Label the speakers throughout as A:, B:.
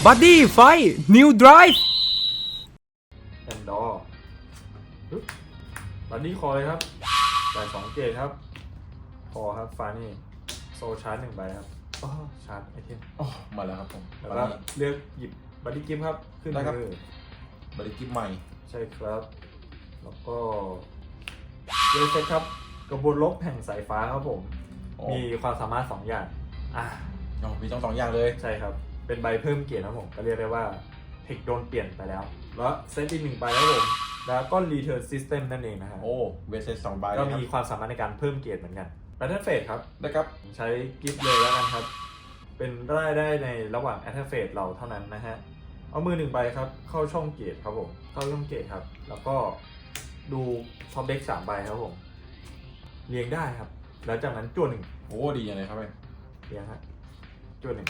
A: บัดดี้ไฟนิวไดรฟ์
B: แอนดอร์บัดดี้คอเลยครับจ่าย2 เกตครับคอครับฟานี่โซชาร์จ1 ใบครับชาร์จไอเทม
C: มาแล้วครับผม
B: แล้วก็เลือกหยิบบัดดี้กิฟต์ครับขึ้นมือบ
C: ริกิฟใหม่
B: ใช่ครับแล้วก็เลือกเซตครับกระบวนลบแห่งสายฟ้าครับผมมีความสามารถ2 อย่าง
C: มีต้อง2 อย่างเลย
B: ใช่ครับเป็นใบเพิ่มเกียรติครับผมก็เรียกได้ว่าเทคโดนเปลี่ยนไปแล้วแล้วเซตอีก1 ใบครับผมแล้วก็ Return System นั่นเองนะครับ
C: เวสเซต2 ใบ
B: ก็มีความสามารถในการเพิ่มเกียรติเหมือนกัน Battle Phase ครับ
C: ได้ครับ
B: ใช้กิฟต์เลยแล้วกันครับเป็นได้ในระหว่าง Attack Phase เราเท่านั้นนะฮะเอามือ1 ใบครับเข้าช่องเกียรติครับผมเข้าช่องเกียรติครับแล้วก็ดูท็อปเด็ก3 ใบครับผมเรียงได้ครับแล้วจากนั้นจั่ว1
C: ดีอย่างไรครับ
B: เรียงครับจั่ว1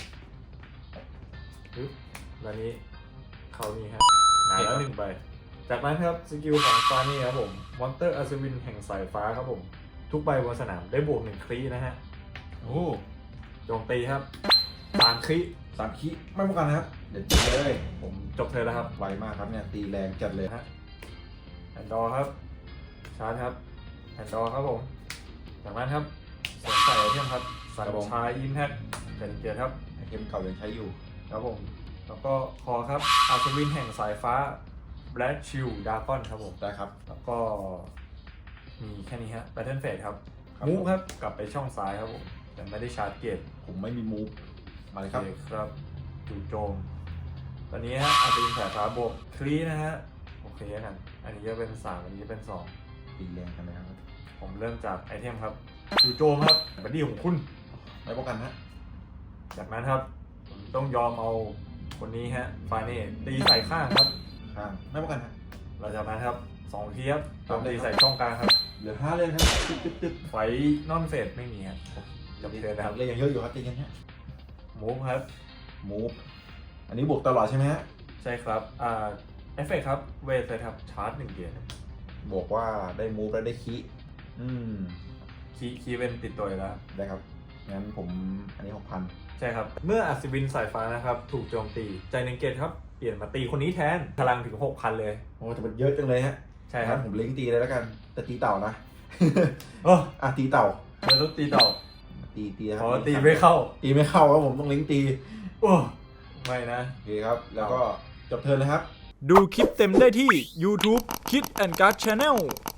B: แล้วนี้เขานี่ครับหงายแล้ว1 ใบจากนั้นครับสกิลของฟานี่ครับผมมอนเตอร์อัศวินแห่งสายฟ้าครับผมทุกใบบนสนามได้บวก1 ครีนะฮะโจมตีครับ3 ครี
C: 3 คีไม่ป้องกันนะครับเดี๋ยวจีเลย
B: ผมจบเธอแล้วครับ
C: ไวมากครับเนี่ยตีแรงจัดเลย
B: ฮะแอนดอร์ครับชาร์จครับแอนดอร์ครับผมจากนั้นครับสวมใส่ไอเทมครับสัญชายอิมแพคเป็นเกียร์ครับ
C: ไอเทมเก่ายังใช้อยู่
B: ครับผมแล้วก็คอครับอัศวินแห่งสายฟ้าแบล็กชิลดาร์กอนครับผม
C: ได้ครับ
B: แล้วก็มีแค่นี้ฮะแบทเทิลเฟสครับมูฟครับกลับไปช่องซ้ายครับผมแต่ไม่ได้ชาร์จเกียร์
C: ผมไม่มีมูฟมาเลยครับ
B: ครับจู่โจมตอนนี้ฮะอาจจะเป็นสายฟ้าบวกคลีนะฮะโอเคกันอันนี้จะเป็น3อันนี้จะเป็น2
C: ตีแรงกันนะครับ
B: ผมเริ่มจากไอเทมครับจู่โจมครับบัดดี้ของคุณ
C: ไม่ป้องกันฮะ
B: จากนั้นครับผมต้องยอมเอาคนนี้ฮะฟาเน่ตีใส่ข้างครับ
C: ข้างไม่ป้องกันฮะ
B: หลังจากนั้นครับ2 ทีครับตีใส่ช่องกลางครับ
C: เหลือ5 เลยครับตึ๊บ
B: ไฟนอนเฟสไม่มีครับจบเทิร์นนะครับ
C: เลยยังเยอะอยู่ครับตีกันฮะ
B: มูฟครับ
C: มูฟอันนี้บวกตลอดใช่ไหมฮะ
B: ใช่ครับเอฟเฟกครับเวทเลยครับชาร์จ1 เกียร์
C: บอกว่าได้มูฟและได้คี
B: คีเป็นติดตัวแล้ว
C: ได้ครับงั้นผมอันนี้ 6,000
B: ใช่ครับเมื่ออัศวินสายฟ้านะครับถูกโจมตีใจ1 เกียร์ครับเปลี่ยนมาตีคนนี้แทนพลังถึง 6,000 เลย
C: แต่มันเยอะจังเลยฮะ
B: ใช่ครับ
C: ผมเล้งตีเลยแล้วกันแต่ตีเต่านะตีเต่า
B: เราต้องตีเต่า
C: ตี
B: ครับตีไม่เข้า
C: ครับผมต้องเล้งตี
B: ไม่นะ
C: โอเคครับแล้วก็จบเทิร์นเลยครับ
A: ดูคลิปเต็มได้ที่ YouTube Kid and Guard Channel